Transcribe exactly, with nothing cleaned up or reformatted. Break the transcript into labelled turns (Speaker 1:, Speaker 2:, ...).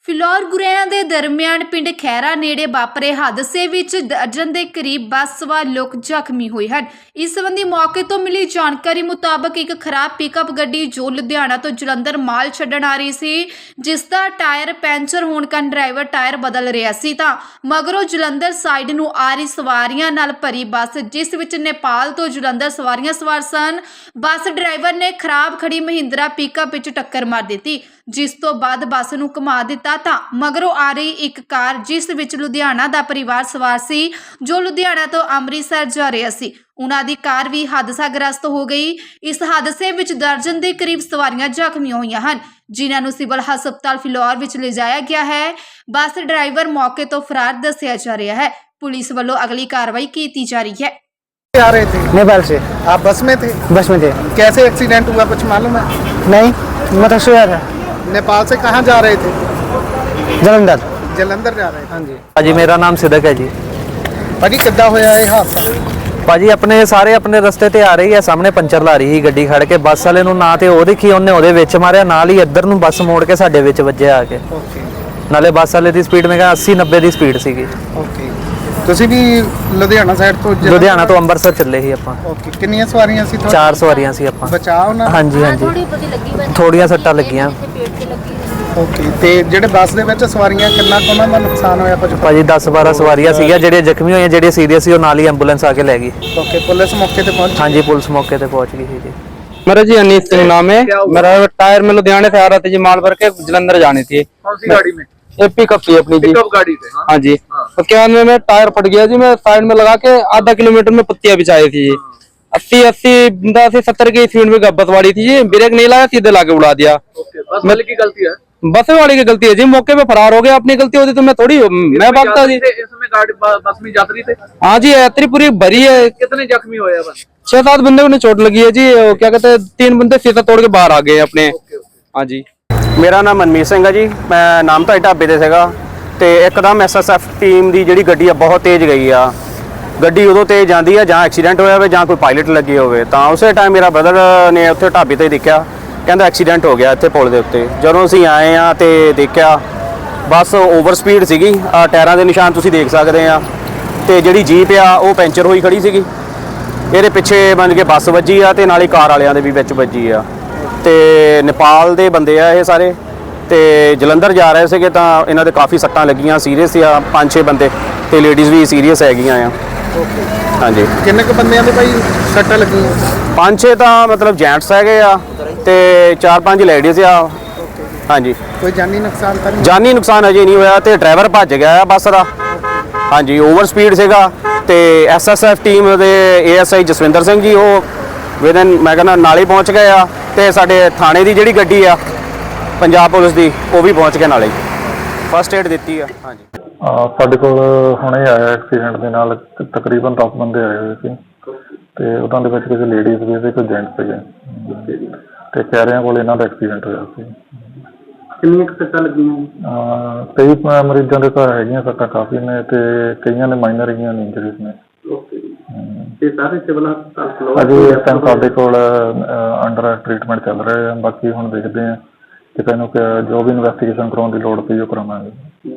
Speaker 1: ਫਿਲੌਰ ਗੁਰੇਆਂ ਦੇ ਦਰਮਿਆਨ ਪਿੰਡ ਖੈਰਾ ਨੇੜੇ ਵਾਪਰੇ ਹਾਦਸੇ ਵਿੱਚ ਦਰਜਨ ਦੇ ਕਰੀਬ ਬੱਸ ਸਵਾਰ ਲੋਕ ਜ਼ਖਮੀ ਹੋਏ ਹਨ। ਇਸ ਸੰਬੰਧੀ ਮੌਕੇ ਤੋਂ ਮਿਲੀ ਜਾਣਕਾਰੀ ਮੁਤਾਬਕ ਇੱਕ ਖਰਾਬ ਪਿਕਅਪ ਗੱਡੀ ਜੋ ਲੁਧਿਆਣਾ ਤੋਂ ਜਲੰਧਰ ਮਾਲ ਛੱਡਣ ਆ ਰਹੀ ਸੀ, ਜਿਸ ਦਾ ਟਾਇਰ ਪੈਂਚਰ ਹੋਣ ਕਾਰਨ ਡਰਾਈਵਰ ਟਾਇਰ ਬਦਲ ਰਿਹਾ ਸੀ ਤਾਂ ਮਗਰੋਂ ਜਲੰਧਰ ਸਾਈਡ ਨੂੰ ਆ ਰਹੀ ਸਵਾਰੀਆਂ ਨਾਲ ਭਰੀ ਬੱਸ, ਜਿਸ ਵਿੱਚ ਨੇਪਾਲ ਤੋਂ ਜਲੰਧਰ ਸਵਾਰੀਆਂ ਸਵਾਰ ਸਨ, ਬੱਸ ਡਰਾਈਵਰ ਨੇ ਖਰਾਬ ਖੜੀ ਮਹਿੰਦਰਾ ਪਿਕਅਪ ਵਿੱਚ ਟੱਕਰ ਮਾਰ ਦਿੱਤੀ, ਜਿਸ ਤੋਂ ਬਾਅਦ ਬੱਸ ਨੂੰ ਘੁਮਾ ਦਿੱਤਾ ਤਾਂ ਮਗਰੋਂ ਆ ਰਹੀ ਇੱਕ ਕਾਰ, ਜਿਸ ਵਿੱਚ ਲੁਧਿਆਣਾ ਦਾ ਪਰਿਵਾਰ ਸਵਾਰ ਸੀ ਜੋ ਲੁਧਿਆਣਾ ਤੋਂ ਅੰਮ੍ਰਿਤਸਰ ਜਾ ਰਿਹਾ ਸੀ, ਉਹਨਾਂ ਦੀ ਕਾਰ ਵੀ ਹਾਦਸਾਗ੍ਰਸਤ ਹੋ ਗਈ। ਇਸ ਹਾਦਸੇ ਵਿੱਚ ਦਰਜਨ ਦੇ ਕਰੀਬ ਸਵਾਰੀਆਂ ਜ਼ਖਮੀ ਹੋਈਆਂ ਹਨ, ਜਿਨ੍ਹਾਂ ਨੂੰ ਸਿਵਲ ਹਸਪਤਾਲ ਫਿਲੌਰ ਵਿੱਚ ਲਿਜਾਇਆ ਗਿਆ ਹੈ। ਬੱਸ ਡਰਾਈਵਰ ਮੌਕੇ ਤੋਂ ਫਰਾਰ ਦੱਸਿਆ ਜਾ ਰਿਹਾ है। पुलिस वालों अगली कार्रवाई की जा रही है।
Speaker 2: आ रहे थे
Speaker 3: नेपाल से।
Speaker 2: आप बस में थे?
Speaker 3: बस में थे।
Speaker 2: कैसे एक्सीडेंट हुआ कुछ मालूम है?
Speaker 3: नहीं, मैं तो सोया था।
Speaker 2: नेपाल से कहाँ जा रहे थे?
Speaker 3: जलंधर।
Speaker 2: जलंधर जा रहे थे।
Speaker 3: हाँ जी।
Speaker 4: भाजी मेरा नाम सिद्दक है जी।
Speaker 2: भाजी किद्दां होया ये हादसा?
Speaker 4: ਭਾਜੀ ਆਪਣੇ ਸਾਰੇ ਆਪਣੇ ਰਸਤੇ ਤੇ ਆ ਰਹੀ ਹੈ, ਸਾਹਮਣੇ ਪੰਚਰ ਲਾ ਰਹੀ ਸੀ ਗੱਡੀ ਖੜ ਕੇ, ਬੱਸ ਵਾਲੇ ਨੂੰ ਨਾ ਤੇ ਉਹ ਦੇਖੀ ਉਹਨੇ ਉਹਦੇ ਵਿੱਚ ਮਾਰਿਆ, ਨਾਲ ਹੀ ਇੱਧਰ ਨੂੰ ਬੱਸ ਮੋੜ ਕੇ ਸਾਡੇ ਵਿੱਚ ਵੱਜਿਆ ਆ ਕੇ।
Speaker 2: ਓਕੇ।
Speaker 4: ਨਾਲੇ ਬੱਸ ਵਾਲੇ ਦੀ ਸਪੀਡ ਮੈਂ ਕਿਹਾ अस्सी नब्बे ਦੀ ਸਪੀਡ ਸੀਗੀ।
Speaker 2: ਓਕੇ। ਤੁਸੀਂ ਵੀ ਲੁਧਿਆਣਾ ਸਾਈਡ ਤੋਂ ਜਲੰਧਰ-
Speaker 4: ਲੁਧਿਆਣਾ ਤੋਂ ਅੰਮ੍ਰਿਤਸਰ ਚੱਲੇ ਸੀ ਆਪਾਂ।
Speaker 2: ਓਕੇ। ਕਿੰਨੀਆਂ ਸਵਾਰੀਆਂ ਸੀ ਤੁਹਾਡੇ?
Speaker 4: ਚਾਰ ਸਵਾਰੀਆਂ ਸੀ ਆਪਾਂ।
Speaker 2: ਬਚਾਅ ਉਹਨਾਂ?
Speaker 4: ਹਾਂਜੀ ਹਾਂਜੀ, ਥੋੜੀਆਂ ਸੱਟਾਂ ਲੱਗੀਆਂ।
Speaker 2: ਓਕੇ। ਤੇ ਜਿਹੜੇ ਬੱਸ ਦੇ ਵਿੱਚ ਸਵਾਰੀਆਂ ਕਿੰਨਾ ਕੁ ਉਹਨਾਂ ਦਾ ਨੁਕਸਾਨ ਹੋਇਆ ਕੁਝ?
Speaker 4: ਭਾਜੀ ਦਸ ਬਾਰਾਂ ਸਵਾਰੀਆਂ ਸੀਗੀਆਂ, ਜਿਹੜੀਆਂ ਜ਼ਖਮੀ ਹੋਈਆਂ, ਜਿਹੜੀਆਂ ਸੀਰੀਅਸ ਸੀ ਉਹ ਨਾਲ ਹੀ ਐਂਬੂਲੈਂਸ ਆ ਕੇ ਲੈ ਗਈ।
Speaker 2: ਓਕੇ। ਪੁਲਿਸ ਮੌਕੇ ਤੇ ਪਹੁੰਚ?
Speaker 4: ਹਾਂਜੀ, ਪੁਲਿਸ मौके पे पहुंच गई थी जी।
Speaker 5: मेरा जी अनीस सिंह नाम है। मेरा टायर में लुधियाने से आ रहा था जी, माल भर के जलंधर जानी थी।
Speaker 6: कौन सी गाड़ी में?
Speaker 5: ये पिकअप थी अपनी जी।
Speaker 6: पिकअप गाड़ी थे।
Speaker 5: हाँ जी। तो क्या में टायर फट गया जी, मैं साइड में लगा के आधा किलोमीटर में पत्तियां बिछाई थी जी। अस्सी अस्सी अस्सी सत्तर की स्पीड में बस वाली थी जी, ब्रेक नहीं लगाया, सीधे लाके उड़ा दिया।
Speaker 6: बस वाले की गलती है?
Speaker 5: बस वाली की गलती है जी, मौके पे फरार हो गया। अपनी गलती होती तो मैं थोड़ी मैं भागता जी।
Speaker 6: इसमें गाड़ी बस में यात्री थे?
Speaker 5: हाँ जी, यात्री पूरी भरी है।
Speaker 6: कितने जख्मी हुए बस?
Speaker 5: छह सात बंदे को चोट लगी है जी। क्या कहते हैं, तीन बंदे शीशा तोड़ के बाहर आ गए अपने। हाँ जी।
Speaker 7: ਮੇਰਾ ਨਾਮ ਮਨਮੀਤ ਸਿੰਘ ਹੈ ਜੀ। ਮੈਂ ਨਾਮ ਤਾਂ ਢਾਬੇ ਤੇ ਸੀਗਾ ਤੇ ਇੱਕਦਮ ਐਸ ਐਸ ਐਫ ਟੀਮ ਦੀ ਜਿਹੜੀ ਗੱਡੀ ਆ ਬਹੁਤ ਤੇਜ਼ ਗਈ ਆ। ਗੱਡੀ ਉਦੋਂ ਤੇਜ਼ ਜਾਂਦੀ ਆ ਜਾਂ ਐਕਸੀਡੈਂਟ ਹੋਇਆ ਹੋਵੇ ਜਾਂ ਕੋਈ ਪਾਇਲਟ ਲੱਗੀ ਹੋਵੇ, ਤਾਂ ਉਸੇ ਟਾਈਮ ਮੇਰਾ ਬ੍ਰਦਰ ਨੇ ਉੱਥੇ ਢਾਬੇ ਤੇ ਦੇਖਿਆ, ਕਹਿੰਦਾ ਐਕਸੀਡੈਂਟ ਹੋ ਗਿਆ ਇੱਥੇ ਪੁਲ ਦੇ ਉੱਤੇ। ਜਦੋਂ ਅਸੀਂ ਆਏ ਆ ਤੇ ਦੇਖਿਆ ਬੱਸ ਓਵਰ ਸਪੀਡ ਸੀਗੀ, ਆ ਟਾਇਰਾਂ ਦੇ ਨਿਸ਼ਾਨ ਤੁਸੀਂ ਦੇਖ ਸਕਦੇ ਆ, ਤੇ ਜਿਹੜੀ ਜੀਪ ਆ ਉਹ ਪੈਂਚਰ ਹੋਈ ਖੜੀ ਸੀਗੀ। ਇਹਦੇ ਪਿੱਛੇ ਬਣ ਕੇ ਬੱਸ ਵੱਜੀ ਆ ਤੇ ਨਾਲੇ ਕਾਰ ਵਾਲਿਆਂ ਦੇ ਵੀ ਵਿੱਚ ਵੱਜੀ ਆ। ਤੇ ਨੇਪਾਲ ਦੇ ਬੰਦੇ ਆ ਇਹ ਸਾਰੇ, ਤੇ ਜਲੰਧਰ ਜਾ ਰਹੇ ਸੀਗੇ, ਤਾਂ ਇਹਨਾਂ ਦੇ ਕਾਫੀ ਸੱਟਾਂ ਲੱਗੀਆਂ, ਸੀਰੀਅਸ ਆ ਪੰਜ ਛੇ ਬੰਦੇ, ਤੇ ਲੇਡੀਜ਼ ਵੀ ਸੀਰੀਅਸ ਹੈਗੀਆਂ ਆ। ਹਾਂਜੀ।
Speaker 2: ਕਿੰਨੇ ਕੁ ਬੰਦਿਆਂ ਦੇ ਭਾਈ ਸੱਟਾਂ ਲੱਗੀਆਂ?
Speaker 7: ਪੰਜ ਛੇ ਤਾਂ ਮਤਲਬ ਜੈਂਟਸ ਹੈਗੇ ਆ ਤੇ ਚਾਰ ਪੰਜ ਲੇਡੀਜ਼ ਆ। ਹਾਂਜੀ।
Speaker 2: ਕੋਈ ਜਾਨੀ ਨੁਕਸਾਨ ਤਾਂ ਨਹੀਂ?
Speaker 7: ਜਾਨੀ ਨੁਕਸਾਨ ਅਜੇ ਨਹੀਂ ਹੋਇਆ ਤੇ ਡਰਾਈਵਰ ਭੱਜ ਗਿਆ ਆ ਬੱਸ ਦਾ। ਹਾਂਜੀ, ਓਵਰ ਸਪੀਡ ਸੀਗਾ। ਤੇ ਐਸ ਐਸ ਐਫ ਟੀਮ ਦੇ A S I Jaswinder Singh ji ਉਹ ਵਿਦਨ ਮੈਂ ਕਹਿੰਦਾ ਨਾਲੇ ਪਹੁੰਚ ਗਏ ਆ, ਤੇ ਸਾਡੇ ਥਾਣੇ ਦੀ ਜਿਹੜੀ ਗੱਡੀ ਆ ਪੰਜਾਬ ਪੁਲਿਸ ਦੀ ਉਹ ਵੀ ਪਹੁੰਚ ਕੇ ਨਾਲੇ ਫਸਟ ਏਡ ਦਿੱਤੀ ਆ। ਹਾਂਜੀ।
Speaker 8: ਸਾਡੇ ਕੋਲ ਹੁਣੇ ਆਇਆ ਐਕਸੀਡੈਂਟ ਦੇ ਨਾਲ ਤਕਰੀਬਨ ਦਸ ਬੰਦੇ ਆਏ ਹੋਏ ਸੀ, ਤੇ ਉਹਨਾਂ ਦੇ ਵਿੱਚ ਕਿਸੇ ਲੇਡੀਜ਼ ਵੀ ਸੀ, ਕੋਈ ਜੈਂਟਸ ਸੀਗੇ, ਤੇ ਕਹਿਰਿਆਂ ਕੋਲ ਇਹਨਾਂ ਦਾ ਐਕਸੀਡੈਂਟ ਹੋਇਆ ਸੀ।
Speaker 2: ਕਿੰਨੀਆਂ ਕੁ ਸੱਟਾਂ ਲੱਗੀਆਂ?
Speaker 8: ਕਈ ਮਰੀਜ਼ਾਂ ਦੇ ਤਾਂ ਹੈਗੀਆਂ ਸੱਟਾਂ ਕਾਫੀ ਨੇ, ਤੇ ਕਈਆਂ ਨੇ ਮਾਈਨਰ ਹੈਗੀਆਂ ਨੇ, ਇੰਜਰੀਜ਼ ਨੇ।
Speaker 2: ਤੇ ਸਾਰੇ ਸਿਵਲ ਹਸਪਤਾਲ
Speaker 8: ਅਜੇ ਇਸ ਟਾਈਮ ਸਾਡੇ ਕੋਲ ਅੰਡਰ ਟ੍ਰੀਟਮੈਂਟ ਚੱਲ ਰਿਹਾ ਹੈ। ਬਾਕੀ ਹੁਣ ਦੇਖਦੇ ਹਾਂ, ਕਿਸੇ ਨੂੰ ਜੋ ਵੀ ਇਨਵੈਸਟੀਗੇਸ਼ਨ ਕਰਾਉਣ ਦੀ ਲੋੜ ਪਈ ਉਹ ਕਰਾਵਾਂਗੇ।